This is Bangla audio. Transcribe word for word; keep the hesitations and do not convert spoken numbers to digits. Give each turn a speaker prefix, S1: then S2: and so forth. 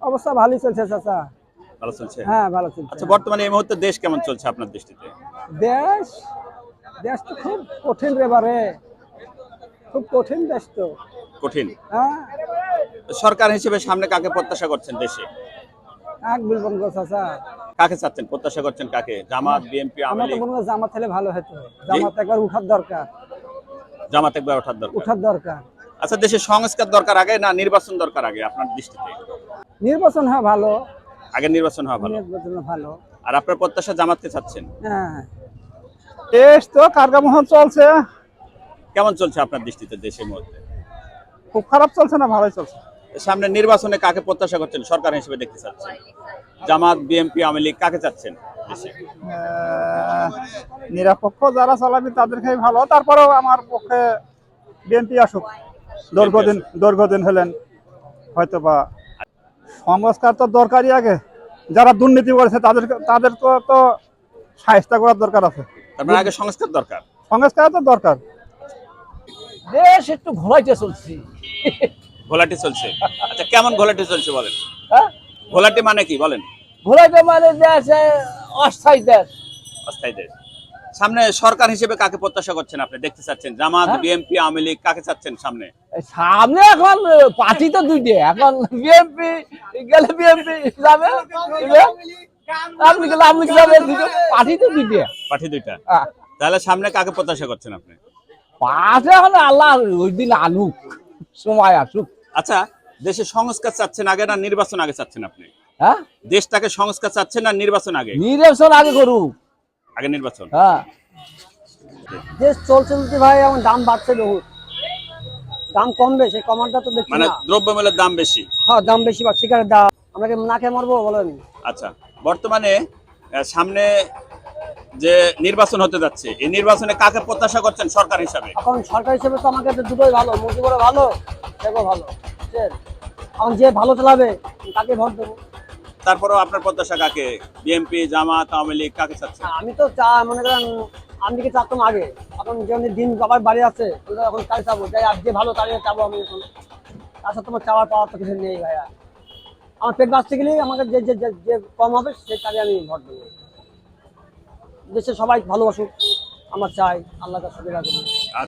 S1: অবস্থা ভালোই চলছে চাচা।
S2: ভালো চলছে।
S1: হ্যাঁ ভালো চলছে।
S2: আচ্ছা, বর্তমানে এই মুহূর্তে দেশ কেমন চলছে আপনার দৃষ্টিতে?
S1: দেশ দেশ তো খুব কঠিন রে বারে, খুব কঠিন দেশ তো।
S2: কঠিন।
S1: হ্যাঁ
S2: সরকার হিসেবে সামনে কাকে প্রত্যাশা করছেন দেশে?
S1: এক বলবেন গো চাচা।
S2: কাকে চাচ্ছেন, প্রত্যাশা করছেন কাকে? জামাত, বিএনপি, আওয়ামী
S1: আমরা তো
S2: লীগ?
S1: মনে হয় জামাত হলে ভালো হতো।
S2: জি?
S1: জামাত একবার উঠার দরকার,
S2: জামাত একবার ওঠার দরকার।
S1: উঠার দরকার।
S2: আচ্ছা, দেশে সংস্কার দরকার আগে না নির্বাচন দরকার আগে আপনার দৃষ্টিতে?
S1: নির্বাচন হয় ভালো।
S2: আগে নির্বাচন হওয়া ভালো।
S1: নির্বাচন ভালো।
S2: আর আপনার প্রত্যাশা জামাতকে চাচ্ছেন?
S1: হ্যাঁ দেশ তো কার্যক্রম চলছে।
S2: কেমন চলছে আপনার দৃষ্টিতে দেশের মধ্যে?
S1: খুব খারাপ চলছে না, ভালোই চলছে।
S2: সামনে নির্বাচনে কাকে প্রত্যাশা করছেন সরকার হিসেবে দেখতে চাচ্ছেন? জামাত, বিএনপি, আওয়ামী লীগ কাকে চাচ্ছেন দেশে?
S1: আহ, নিরপেক্ষ যারা চালাবে তাদেরকে ভালো, তারপরেও আমার পক্ষে বিএনপি আসুক। দীর্ঘদিন দীর্ঘদিন হলেন হয়তো বা। সংস্কার তো দরকারই, আগে যারা দুর্নীতি করেছে তাদের তাদের তো তো শায়েস্তা করার দরকার আছে।
S2: তারপরে আগে সংস্কার দরকার।
S1: সংস্কার তো দরকার। দেশ একটু ঘোলাইতে চলছি।
S2: ঘোলাটি চলছে। আচ্ছা, কেমন ঘোলাটি চলছে বলেন?
S1: হ্যাঁ
S2: ঘোলাটি মানে কি বলেন?
S1: ঘোলাইতে মানে দেশ অস্থায়ী দেশ।
S2: অস্থায়ী দেশ। সামনে সরকার হিসেবে কাকে প্রত্যাশা করছেন আপনি দেখতে চাচ্ছেন? জামাত, বিএনপি, আওয়ামী লীগ কাকে চাচ্ছেন সামনে?
S1: সামনে এখন পার্টি তো দুইটা, এখন বিএনপি গেলে বিএনপি যাবে, আপনি গেলে আপনি যাবে, পার্টি তো দুইটা।
S2: পার্টি দুইটা। তাহলে সামনে কাকে প্রত্যাশা করছেন আপনি?
S1: পাশে এখন আল্লাহ ওই দিন আনুক, সময় আসুক।
S2: আচ্ছা, দেশে সংস্কার চাচ্ছেন আগে না নির্বাচন আগে চাচ্ছেন আপনি?
S1: হ্যাঁ
S2: দেশটাকে সংস্কার চাচ্ছেন না নির্বাচন আগে?
S1: নির্বাচন আগে করুক।
S2: আগে নির্বাচন।
S1: হ্যাঁ দেশ চলছে চলতে ভাই, এখন দাম বাড়ছে বহুত, দাম কমবে, সেই কমানটা তো দেখছি
S2: মানে
S1: না।
S2: দ্রব্যমূল্যের দাম বেশি।
S1: হ্যাঁ দাম বেশি বা শিকারের দাম, আমরা কি না খেয়ে মরবো বলেন?
S2: আচ্ছা, বর্তমানে আহ, সামনে যে নির্বাচন হতে যাচ্ছে এই নির্বাচনে কাকে প্রত্যাশা করছেন সরকার হিসাবে?
S1: এখন সরকার হিসেবে তো আমাকে দুটোই ভালো, মুজিবুরও ভালো, সেও ভালো, বুঝছেন? এখন যে ভালো চালাবে তাকে ভোট দেবো।
S2: তারপরেও আপনার প্রত্যাশা কাকে? বিএনপি, জামাত, আওয়ামী লীগ কাকে চাচ্ছেন?
S1: আমি তো চা মনে করেন আমি কি চাচ্তাম আগে, এখন যে দিন বাবার বাড়ি আছে এখন কাজ চাবো, যাই আর যে ভালো তাড়িয়ে চাবো আমি এখন। তাছাড়া তোমার চাওয়ার পাওয়ার তো কিছু নেই ভাইয়া। আমার পেট বাঁচতে গেলেই আমাকে যে যে যে কম হবে সেই তাকে আমি ভোট দেবো। দেশে সবাই ভালোবাসুক, আমার চাই, আল্লাহ কাছে সুবিধা করুন।